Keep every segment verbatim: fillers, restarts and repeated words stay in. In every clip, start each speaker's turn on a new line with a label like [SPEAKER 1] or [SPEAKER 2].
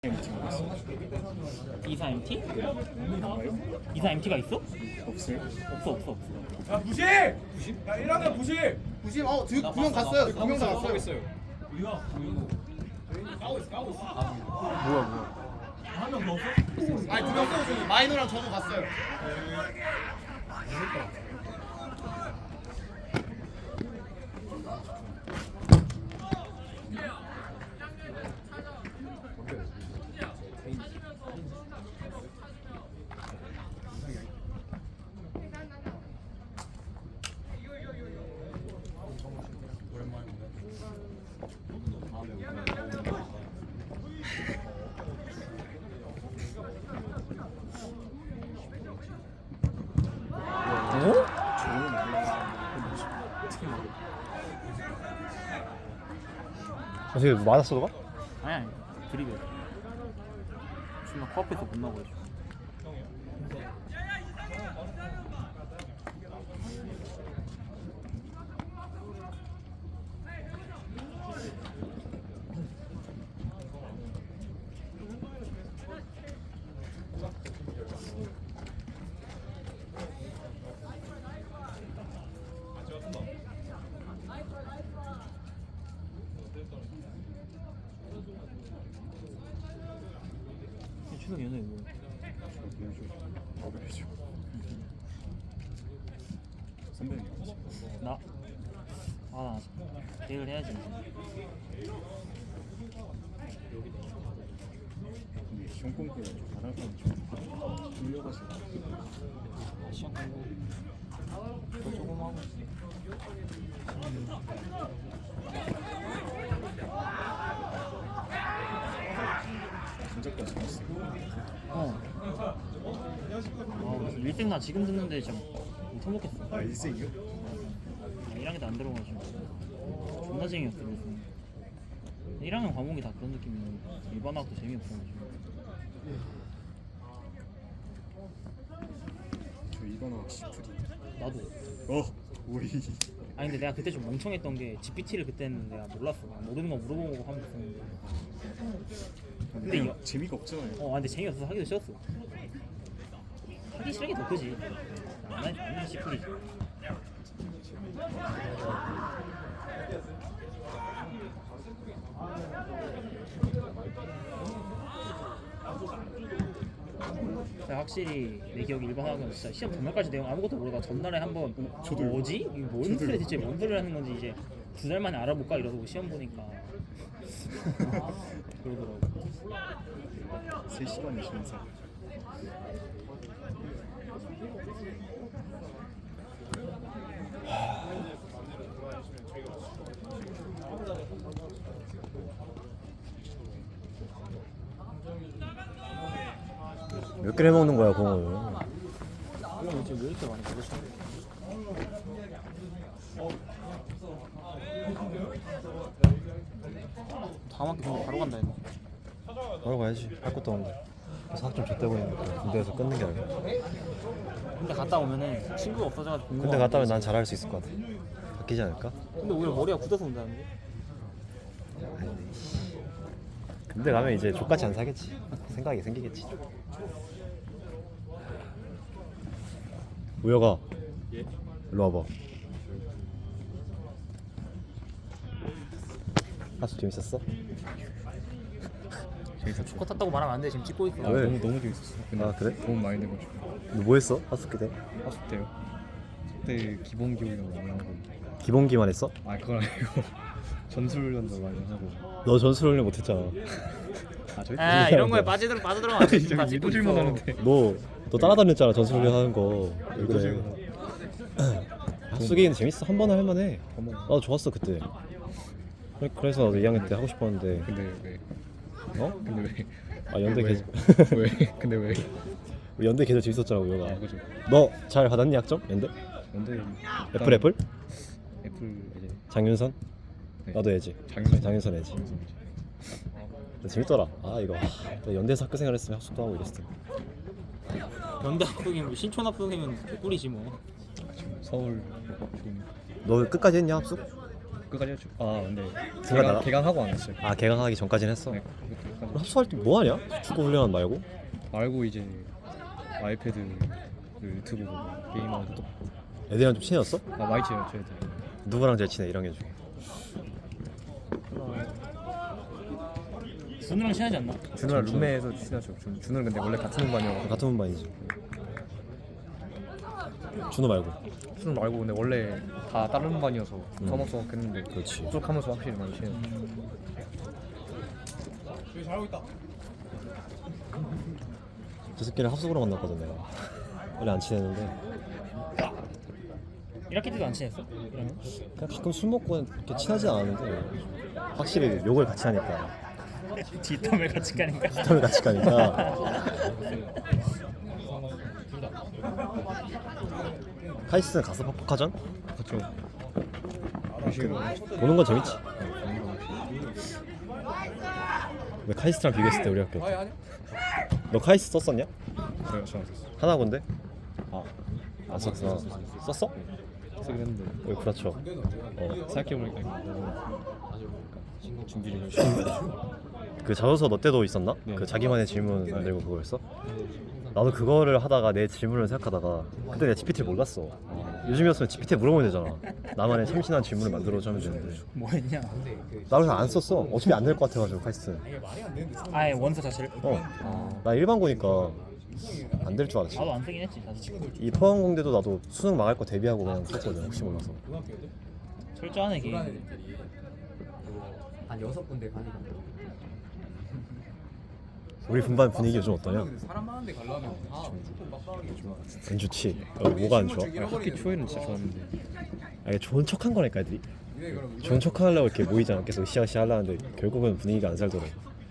[SPEAKER 1] 엠티 모르겠어.
[SPEAKER 2] 이사 엠티?
[SPEAKER 1] 뭔가요?
[SPEAKER 2] 이사 엠티가 있어?
[SPEAKER 1] 없어요?
[SPEAKER 2] 없어 없어 없어.
[SPEAKER 3] 야 부심! 부심? 야 일 학년 부심!
[SPEAKER 4] 부심 어 두 명 갔어요. 두 명 다 갔어요.
[SPEAKER 3] 우리가 까고 있어 까고 있어.
[SPEAKER 2] 뭐야 뭐야.
[SPEAKER 3] 한 명 더 없어?
[SPEAKER 4] 아니 두 명 써요. 저기 마이너랑 저도 갔어요.
[SPEAKER 2] 어?
[SPEAKER 5] 어떻게 맞았어 너가?
[SPEAKER 2] 아니 아니 드립이야. 존나 코앞에서 못 나가지고. 최근 연애 뭐?
[SPEAKER 1] 어그래죠. 선배님이지.
[SPEAKER 2] 나? 아나 계획을 해야지 이제.
[SPEAKER 1] 근데 시험 공부를 좀 잘할 거면 좀 돌려가지고.
[SPEAKER 2] 시험 공부 더 조금 하고.
[SPEAKER 1] 진짜까지 했어.
[SPEAKER 2] 어. 아 그래서 일생 나 지금 듣는데 진짜 못 해먹겠어.
[SPEAKER 1] 아 일생이요?
[SPEAKER 2] 일 학년 안 들어가지고 존나 재미없어. 그래서 일 학년 과목이 다 그런 느낌이고 일반학도 재미없어가지고.
[SPEAKER 1] 저 이번화 시프리.
[SPEAKER 2] 나도.
[SPEAKER 1] 어 오이.
[SPEAKER 2] 아니 근데 내가 그때 좀 멍청했던 게 지피티를 그때는 내가 몰랐어. 모르는 거 물어보고 하면 됐었는데. 근데 이거
[SPEAKER 1] 재미가 없잖아요.
[SPEAKER 2] 어 근데 재미없어서 하기도 싫었어. 하기 싫은 게 더 크지. 안 하니 안 하니 시프리지. 진짜 확실히 내 기억에 일반학은 진짜 시험 전날까지 내용 아무것도 모르다가 전날에 한번
[SPEAKER 1] 저도요.
[SPEAKER 2] 뭐지? 이거 뭔
[SPEAKER 1] 저도요.
[SPEAKER 2] 소리 대체 뭔 소리를 하는 건지 이제 두 달 만에 알아볼까 이러고 시험 보니까 그러더라고.
[SPEAKER 1] 세 시간의 심사.
[SPEAKER 5] 몇 개를 해먹는 거야 공을?
[SPEAKER 2] 이거 지금 왜 이렇게 많이 먹으셔? 다음 학기 근데 바로 간다 이거.
[SPEAKER 5] 바로 가야지. 할 것도 없는데 사학 좀 줬대고 있는데 군대에서 끊는 게 아니라.
[SPEAKER 2] 근데 갔다 오면은 친구가 없어져가지고 공부가
[SPEAKER 5] 군대
[SPEAKER 2] 안
[SPEAKER 5] 갔다 오면
[SPEAKER 2] 되지.
[SPEAKER 5] 난 잘할 수 있을 것 같아. 바뀌지 않을까?
[SPEAKER 2] 근데 오히려 머리가 굳어서 온다는데?
[SPEAKER 5] 군대 가면 이제 족같이 안 사겠지. 생각이 생기겠지. 우혁아,
[SPEAKER 1] 예?
[SPEAKER 5] 일로 와봐. 학습 재밌었어?
[SPEAKER 1] 재밌었어.
[SPEAKER 2] 축구 탔다고 말하면 안 돼. 지금 찍고 있어.
[SPEAKER 1] 아,
[SPEAKER 5] 왜?
[SPEAKER 1] 너무 너무 재밌었어. 근데
[SPEAKER 5] 아, 그래?
[SPEAKER 1] 도움 많이 돼가지고.
[SPEAKER 5] 너 뭐 했어? 학습 때?
[SPEAKER 1] 학습 때요. 그때 기본 교육을 많이 하고.
[SPEAKER 5] 기본기만 했어?
[SPEAKER 1] 아 그건 아니고 전술훈련도 많이 하고.
[SPEAKER 5] 너 전술훈련 못했잖아.
[SPEAKER 1] 아 저희
[SPEAKER 2] 아 이런 거에 빠져들 빠져들어가면 안 돼. 지금 다
[SPEAKER 1] 저기
[SPEAKER 2] 찍고
[SPEAKER 1] 일도질만
[SPEAKER 2] 있어.
[SPEAKER 1] 하는데.
[SPEAKER 5] 너, 너 따라다녔잖아 전술훈련 하는 거. 왜 그래?
[SPEAKER 1] 일도질.
[SPEAKER 5] 학습기는 재밌어. 한 번은 할만해.
[SPEAKER 1] 어머.
[SPEAKER 5] 나도 좋았어 그때. 그래- 그래서 나도 이 학년 때 하고 싶었는데.
[SPEAKER 1] 근데 왜?
[SPEAKER 5] 어?
[SPEAKER 1] 근데 왜?
[SPEAKER 5] 아 연대
[SPEAKER 1] 왜?
[SPEAKER 5] 계절.
[SPEAKER 1] 왜? 근데 왜?
[SPEAKER 5] 연대 계절 재밌었잖아
[SPEAKER 1] 아
[SPEAKER 5] 우혁아.
[SPEAKER 1] 그죠.
[SPEAKER 5] 너 잘 받았니 학점? 연대?
[SPEAKER 1] 근데
[SPEAKER 5] 애플 애플?
[SPEAKER 1] 애플 이제
[SPEAKER 5] 장윤선?
[SPEAKER 1] 네.
[SPEAKER 5] 나도 애지.
[SPEAKER 1] 장윤선.
[SPEAKER 5] 장윤선 애지.
[SPEAKER 1] 장윤선 이제.
[SPEAKER 5] 근데 재밌더라. 아 이거 아, 또 연대에서 학교 생활했으면 학습도 하고 이랬을 텐데.
[SPEAKER 2] 연대 학부생이면 신촌 학부생이면 개꿀이지 뭐.
[SPEAKER 1] 지금 서울 지금
[SPEAKER 5] 너 끝까지 했냐 합숙?
[SPEAKER 1] 끝까지 했죠. 아 근데
[SPEAKER 5] 생각 나나?
[SPEAKER 1] 개강, 개강하고 안 했어요.
[SPEAKER 5] 아 개강하기 전까지는 했어.
[SPEAKER 1] 네, 그것도
[SPEAKER 3] 약간
[SPEAKER 5] 합숙할 때 뭐 하냐? 축구 훈련 말고?
[SPEAKER 3] 말고 이제 아이패드 유튜브 보고 게임하고 또
[SPEAKER 5] 애들이랑 좀 친해졌어?
[SPEAKER 3] 아 많이 친해요 저희들.
[SPEAKER 5] 누구랑 제일 친해? 일 학년 중에.
[SPEAKER 2] 준우랑 친하지 않나?
[SPEAKER 3] 준우랑 룸메에서 친하죠. 준, 준우는 근데 원래 같은 반이어서.
[SPEAKER 5] 같은 분반이지. 준호 말고.
[SPEAKER 3] 준우 말고 근데 원래 다 다른 반이어서
[SPEAKER 5] 음.
[SPEAKER 3] 서먹서먹 했는데
[SPEAKER 5] 그렇지.
[SPEAKER 3] 합숙하면서 확실히 많이 친해요.
[SPEAKER 5] 저 새끼를 합숙으로 만났거든 내가. 원래 안 친했는데
[SPEAKER 2] 일 학기 때도 안 친했어? 이러면?
[SPEAKER 5] 그냥 가끔 술 먹고 이렇게 친하지 않았는데 확실히 욕을 같이 하니까
[SPEAKER 2] 뒷담을 같이 가니까.
[SPEAKER 5] 땀을 같이 가니까 카이스는 가서 퍽퍽하전?
[SPEAKER 3] 그렇죠.
[SPEAKER 5] 보는 건 재밌지. 왜 카이스트랑 비교했을 때 우리 학교 너 카이스트 썼었냐?
[SPEAKER 3] 저요 저안 썼어요.
[SPEAKER 5] 하나군데? 아, 안 썼어. 썼어?
[SPEAKER 3] 쓰긴 했는데
[SPEAKER 5] 왜 그렇죠. 어.
[SPEAKER 3] 생각해보니까 이거 준비를 열심히 해가지고
[SPEAKER 5] 그 자소서 너 때도 있었나?
[SPEAKER 3] 네.
[SPEAKER 5] 그 자기만의 질문 만들고 그거였어? 나도 그거를 하다가 내 질문을 생각하다가 그때 내가 지피티를 몰랐어. 요즘이었으면 지피티에 물어보면 되잖아. 나만의 참신한 질문을 만들어서 하면 되는데
[SPEAKER 2] 뭐 했냐?
[SPEAKER 5] 나 그래서 안 썼어. 어차피 안 될 것 같아가지고 카이스트.
[SPEAKER 2] 아예 원서 자체를?
[SPEAKER 5] 어. 나 일반고니까 안 될 줄 알았지.
[SPEAKER 2] 나도 안 쓰긴 했지 사실.
[SPEAKER 5] 이 포항공대도 나도 수능 망할 거 대비하고 그냥 썼거든. 혹시 몰라서.
[SPEAKER 2] 철저하네 걔.
[SPEAKER 6] 한 여섯 군데 가니까
[SPEAKER 5] 우리 분반 분위기 요즘 어떠냐?
[SPEAKER 6] 사람 많은데 가려면 다 무조건 빡빡하게 좋아.
[SPEAKER 5] 안 좋지. 어, 뭐가 안 좋아?
[SPEAKER 3] 아니, 학기 초에는 진짜 좋았는데
[SPEAKER 5] 아니 좋은 척한 거니까 애들이. 좋은 척하려고 이렇게 모이잖아. 계속 으쌰으쌰 하려는데 결국은 분위기가 안 살더라고.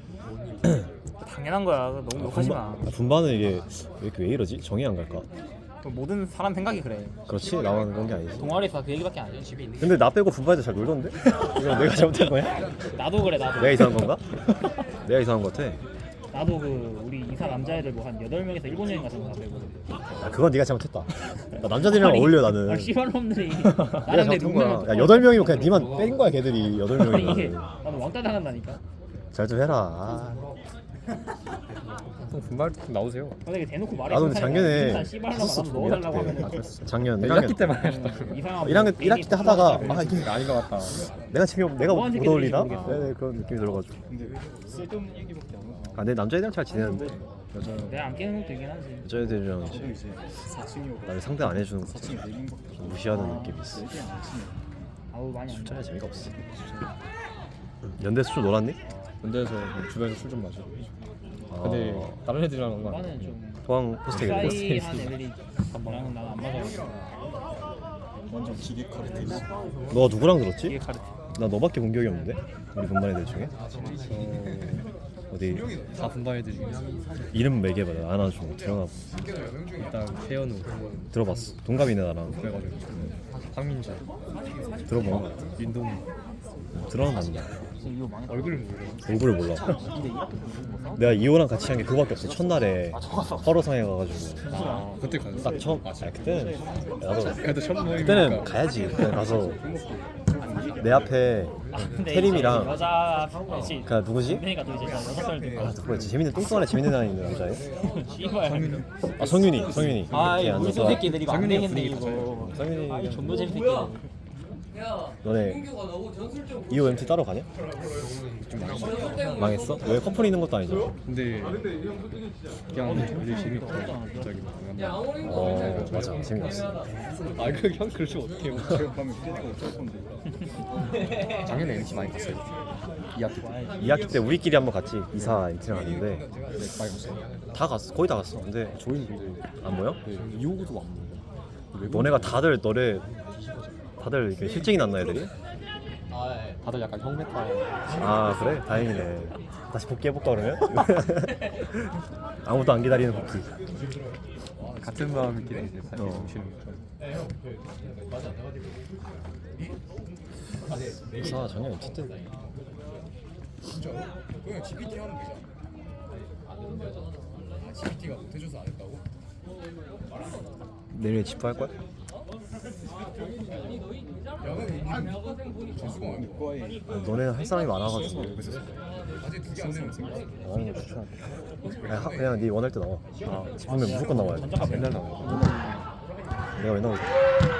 [SPEAKER 2] 당연한 거야. 너무 욕하지 마.
[SPEAKER 5] 분반, 아, 분반은 이게 왜, 이렇게 왜 이러지? 정이 안 갈까?
[SPEAKER 2] 모든 사람 생각이 그래.
[SPEAKER 5] 그렇지? 나만 그런 게 아니지.
[SPEAKER 2] 동아리에서 그 얘기밖에 안 해. 집에 있는.
[SPEAKER 5] 근데 나 빼고 분반에서 잘 놀던데? 이거 내가 잘못한 거야?
[SPEAKER 2] 나도 그래 나도.
[SPEAKER 5] 내가 이상한 건가? 내가 이상한 것 같아.
[SPEAKER 2] 나도 그 우리 이사 남자애들 뭐 한 여덟 명에서 일본 여행 갔던 거 같아.
[SPEAKER 5] 야, 그건 네가 잘못했다. 나 남자들이랑 어울려 나는.
[SPEAKER 2] 아 씨발놈들이.
[SPEAKER 5] 내가
[SPEAKER 2] 나랑 내
[SPEAKER 5] 잘못한 거야.
[SPEAKER 2] 동네만
[SPEAKER 5] 야 여덟 명이면 그냥 니만 뺀 거야 걔들이 여덟
[SPEAKER 2] 아니 이게
[SPEAKER 5] 명이면.
[SPEAKER 2] 나도 왕따 당한다니까.
[SPEAKER 5] 잘 좀 해라. 아.
[SPEAKER 3] 형 분발 좀 나오세요.
[SPEAKER 2] 근데 대놓고 말해.
[SPEAKER 5] 나도 근데 작년에
[SPEAKER 2] 씨발놈
[SPEAKER 5] 했었어,
[SPEAKER 2] 나도 넣어달라고
[SPEAKER 5] 일 학기 때.
[SPEAKER 2] 하면.
[SPEAKER 5] 작년 일
[SPEAKER 3] 일
[SPEAKER 5] 학년
[SPEAKER 3] 학기 때만 하셨다.
[SPEAKER 2] 이상한.
[SPEAKER 5] 일 학년 일 학기 때 하다가 아 이게
[SPEAKER 3] 아닌 것 같다.
[SPEAKER 5] 내가 재미 내가
[SPEAKER 2] 뭐
[SPEAKER 5] 못
[SPEAKER 2] 하는
[SPEAKER 5] 어울리나?
[SPEAKER 2] 새끼들인지 모르겠어.
[SPEAKER 5] 네, 그런 느낌이 들어가지고.
[SPEAKER 1] 근데 쓸데없는 얘기밖에 안 하고
[SPEAKER 5] 아, 내 남자애들이랑 잘 지내는데 여자
[SPEAKER 2] 내가 안 깨는 것도 있긴 하지.
[SPEAKER 5] 여자애들이랑
[SPEAKER 1] 저도 이제 사 층이고
[SPEAKER 5] 나를 상대 안 해주는 거
[SPEAKER 1] 사 층에 네 명밖에
[SPEAKER 5] 좀 무시하는 느낌이 있어.
[SPEAKER 1] 없어. 안 치네.
[SPEAKER 2] 아우 많이 안
[SPEAKER 5] 술자리 재미가 없어. 연대에서 술 놀았니?
[SPEAKER 3] 군대에서 주변에서 술 좀 마셔.
[SPEAKER 5] 아,
[SPEAKER 3] 근데 다른 애들이랑 한거
[SPEAKER 2] 나는
[SPEAKER 3] 아니야.
[SPEAKER 2] 좀
[SPEAKER 5] 포항 호스텔 얘기
[SPEAKER 2] 싸이한 애들이 나랑 나는 안 맞아.
[SPEAKER 1] 완전 기계 카르텔.
[SPEAKER 5] 너 누구랑 들었지?
[SPEAKER 2] 이게 카르텔.
[SPEAKER 5] 나 너밖에 본 기억이 없는데? 우리 분반 애들 중에? 어디
[SPEAKER 3] 다 분반 애들 중에
[SPEAKER 5] 이름 매겨봐. 나 하나 좀 들어가.
[SPEAKER 3] 일단 태연우
[SPEAKER 5] 들어봤어. 동갑이네 나랑.
[SPEAKER 3] 그래가지고 황민주
[SPEAKER 5] 들어본 거 같아.
[SPEAKER 3] 윤동우
[SPEAKER 5] 들어는 봤는데
[SPEAKER 2] 지금 이거 망했다.
[SPEAKER 3] 얼굴을 모르.
[SPEAKER 5] 얼굴을 몰라.
[SPEAKER 2] 근데 이렇게 보는 거
[SPEAKER 5] 내가 이호랑 같이 한 게 그거밖에 없어. 첫날에 화로상에 가가지고
[SPEAKER 3] 아 그때 갔어.
[SPEAKER 5] 딱 처음. 아 그때는 나도
[SPEAKER 3] 그래도 첫 모임이니까.
[SPEAKER 5] 그때는 가야지. 그때 가서 내 앞에
[SPEAKER 2] 근데
[SPEAKER 5] 태림이랑
[SPEAKER 2] 이제 여자 그렇지.
[SPEAKER 5] 그 누구지?
[SPEAKER 2] 그러니까 또 이제 여섯 살 되고.
[SPEAKER 5] 아 누구였지? 재밌는 뚱뚱한 애 재밌는 애 있는 남자애.
[SPEAKER 2] 씨발.
[SPEAKER 5] 아 성윤이 성윤이.
[SPEAKER 2] 아
[SPEAKER 5] 이렇게
[SPEAKER 2] 이 우리
[SPEAKER 5] 앉아서
[SPEAKER 2] 새끼들 이거 안
[SPEAKER 3] 성윤이가
[SPEAKER 2] 되겠네
[SPEAKER 3] 분위기
[SPEAKER 2] 이거.
[SPEAKER 5] 성윤이
[SPEAKER 2] 아이 존나 재밌 새끼들.
[SPEAKER 5] 너네 이호 엠티 따로 가냐? 망했어? 왜 커플이 있는 것도 아니잖아.
[SPEAKER 3] 근데 그냥 되게 재밌고 갑자기 막 그냥
[SPEAKER 5] 어 맞아 재미없어.
[SPEAKER 3] 아 그 형 그러지 어떡해요.
[SPEAKER 1] 가면 피디가 어쩔 건데.
[SPEAKER 3] 작년에 엠티 많이 갔어요. 이 학기 때
[SPEAKER 5] 이 학기 때 우리끼리 한번 같이 이사 엠티랑 갔는데
[SPEAKER 3] 많이 갔어요.
[SPEAKER 5] 다 갔어. 거의 다 갔어. 근데
[SPEAKER 3] 저희는 근데
[SPEAKER 5] 안 모여?
[SPEAKER 3] 이호구도 안 먹어.
[SPEAKER 5] 너네가 다들 너네 다들 이렇게 실증이 났나 애들이?
[SPEAKER 3] 다들 약간 형 메타.
[SPEAKER 5] 아 그래? 다행이네. 다시 복귀해볼까 그러면? 아무도 안 기다리는 복귀.
[SPEAKER 3] 같은 마음이긴 이제 다시
[SPEAKER 5] 어.
[SPEAKER 3] 오시는 거.
[SPEAKER 5] 이사 작년 엠티 때
[SPEAKER 6] 진짜로? 그냥 지피티 하면 되잖아. 아 지피티가 못해줘서 안 했다고?
[SPEAKER 5] 내일 집할 거야?
[SPEAKER 6] 야는 전수공 아니고
[SPEAKER 1] 과에
[SPEAKER 5] 너네는 할 사람이 많아가지고
[SPEAKER 6] 어제 두개 안 내면 생겼어.
[SPEAKER 5] 나가는 거 추천할게. 그냥, 하- 그냥 네 원할 때 나와. 아, 집으면 무조건 나와야 돼.
[SPEAKER 2] 전자가
[SPEAKER 3] 맨날 나와.
[SPEAKER 5] 내가 왜 나오지?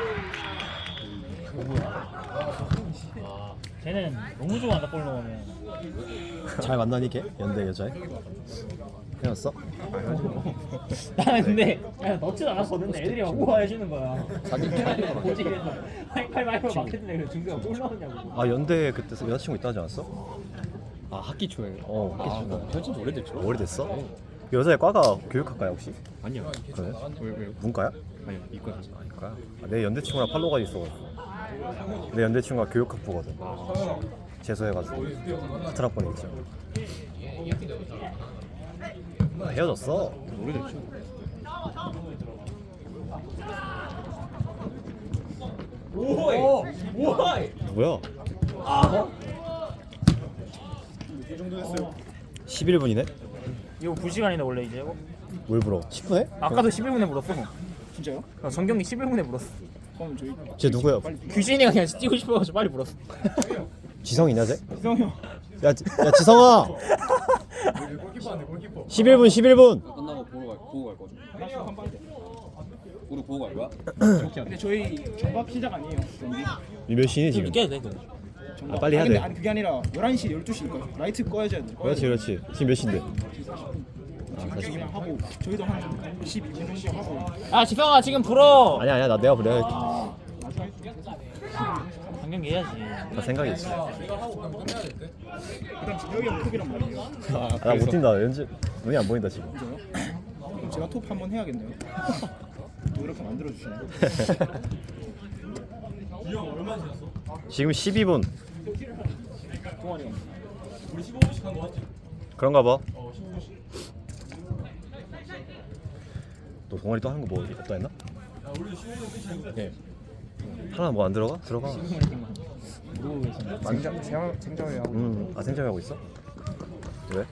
[SPEAKER 2] 쟤는 너무 좋아한다 골 넣으면.
[SPEAKER 5] 잘 만나니 걔? 연대 여자애? 헤어졌어?
[SPEAKER 2] 나는 근데 그냥 넣지도 않았거든. 애들이 막 우와 해주는 거야. 자기 보지 그래서 하이파이브 하이파이브 막 했는데 그래서 준규가 골 넣었냐고.
[SPEAKER 5] 아 연대 그때 여자친구 있다 하지 않았어?
[SPEAKER 3] 아 학기 초에.
[SPEAKER 5] 어 학기
[SPEAKER 3] 아,
[SPEAKER 5] 초에.
[SPEAKER 3] 현진 오래됐죠.
[SPEAKER 5] 오래됐어? 그 여자애 과가 교육학과야 혹시?
[SPEAKER 3] 아니야.
[SPEAKER 5] 그래?
[SPEAKER 3] 왜 왜?
[SPEAKER 5] 문과야?
[SPEAKER 3] 아니야 이거야.
[SPEAKER 5] 아 이과야? 아, 내 연대 친구랑 팔로가 있어가지고 내 연대 친구가 교육학부거든. 재수해가지고 같은 학번에 있죠. 아, 헤어졌어.
[SPEAKER 3] 오래됐죠.
[SPEAKER 5] 누구야? 십일 분이네?
[SPEAKER 2] 이거 두 시간인데 원래 이제 이거?
[SPEAKER 5] 뭘 불어? 십 분에?
[SPEAKER 2] 아까도 십일 분에 물었어. 진짜요? 어, 정경이 십일 분에 물었어.
[SPEAKER 5] 쟤 누구야?
[SPEAKER 2] 규진이가 그냥 뛰고 싶어가지고 빨리 물었어.
[SPEAKER 5] 지성이냐 쟤?
[SPEAKER 2] 지성이 형.
[SPEAKER 5] 야, 지- 야 지성아!
[SPEAKER 6] 골키퍼인데 골키퍼.
[SPEAKER 5] 십일 분 십일 분!
[SPEAKER 7] 끝나고 보고 갈 보고 갈 거죠. 우리 보고 갈 거야?
[SPEAKER 8] 근데 저희 정각 시작 아니에요 경기?
[SPEAKER 5] 몇 시니 지금?
[SPEAKER 2] 깨도 돼 그거.
[SPEAKER 5] 아 빨리 해야
[SPEAKER 8] 아니, 근데
[SPEAKER 5] 돼.
[SPEAKER 8] 아니 그게 아니라 열한 시 열두 시니까 라이트 꺼야지 돼.
[SPEAKER 5] 그렇지 그렇지. 지금 몇 시인데?
[SPEAKER 8] 지금 그냥 하고 저희도 한 십이 분 정도 하고
[SPEAKER 2] 아 지성아 지금 불어.
[SPEAKER 5] 아니야 아니야 나 내가 내가
[SPEAKER 2] 정경이 해야지.
[SPEAKER 5] 다 생각이 있어.
[SPEAKER 8] 일단 지혁이 형 톱이란 말이에요.
[SPEAKER 5] 나 못 뛴다. 왠지 눈이 안 보인다 지금.
[SPEAKER 8] 그럼 제가 톱 한번 해야겠네요. 또 이렇게 만들어 주시네.
[SPEAKER 5] 지금 십이 분.
[SPEAKER 8] 동환이 형.
[SPEAKER 5] 그런가 봐. 너 동아리 또 하는 거 뭐 없다 했나? 예. 하나 뭐 안 들어가? 들어가.
[SPEAKER 6] 생장 생장을 하고.
[SPEAKER 5] 음, 아 생점이 하고 있어? 왜?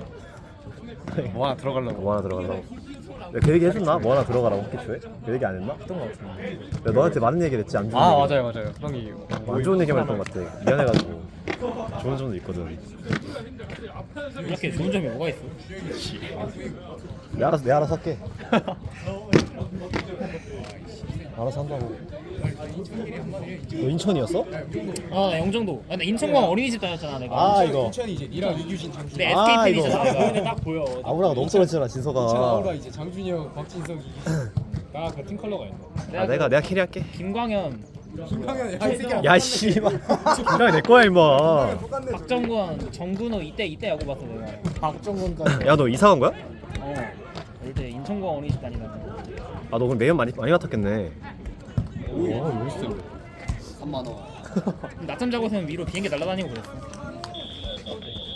[SPEAKER 3] 뭐 하나 들어가려고.
[SPEAKER 5] 뭐 하나 들어가려고? 내가 그 얘기 해줬나? 뭐 하나 들어가라고 학기 초에? 그 얘기 안 했나?
[SPEAKER 3] 했던 거 같은데.
[SPEAKER 5] 내가 너한테 많은 얘기를 했지 안 좋은
[SPEAKER 3] 아
[SPEAKER 5] 얘기.
[SPEAKER 3] 맞아요 맞아요. 형이
[SPEAKER 5] 안 좋은 얘기만 했던 것 같아. 미안해가지고. 좋은 점도 있거든.
[SPEAKER 2] 이렇게 좋은 점이 뭐가 있어?
[SPEAKER 5] 내 알아서 내 알아서 할게. 알아서 한다고. 너 인천이었어?
[SPEAKER 2] 아나 영종도. 아, 나 인천공항 어린이집 다녔잖아 내가.
[SPEAKER 5] 아 이거.
[SPEAKER 6] 인천이 이제 니랑 이규진 장준이.
[SPEAKER 2] 내
[SPEAKER 5] 아,
[SPEAKER 2] 에스케이 팬이잖아
[SPEAKER 5] 이거.
[SPEAKER 2] 내가. 근데 딱 보여.
[SPEAKER 5] 아우라가 너무 떨어지잖아
[SPEAKER 6] 인천
[SPEAKER 5] 진서가.
[SPEAKER 6] 아우라 이제 장준이 형, 박진석이 나 같은 컬러가 있네.
[SPEAKER 5] 아 내가 내가 캐리할게.
[SPEAKER 2] 김광현,
[SPEAKER 6] 김강현 야이 새끼야.
[SPEAKER 5] 야 씨발. 그냥 내 거야 임마.
[SPEAKER 2] 박정권, 정근호 이때 이때 야구 봤어 내가.
[SPEAKER 8] 박정근까지.
[SPEAKER 5] 야 너 이사 간 거야?
[SPEAKER 2] 어. 이때 인천공항 어린이집 다니다가.
[SPEAKER 5] 아 너 그럼 매연 많이 많이 맡았겠네.
[SPEAKER 3] 오 멋있던데.
[SPEAKER 7] 삼만 원.
[SPEAKER 2] 낮잠 자고 있으면 위로 비행기 날아다니고 그랬어.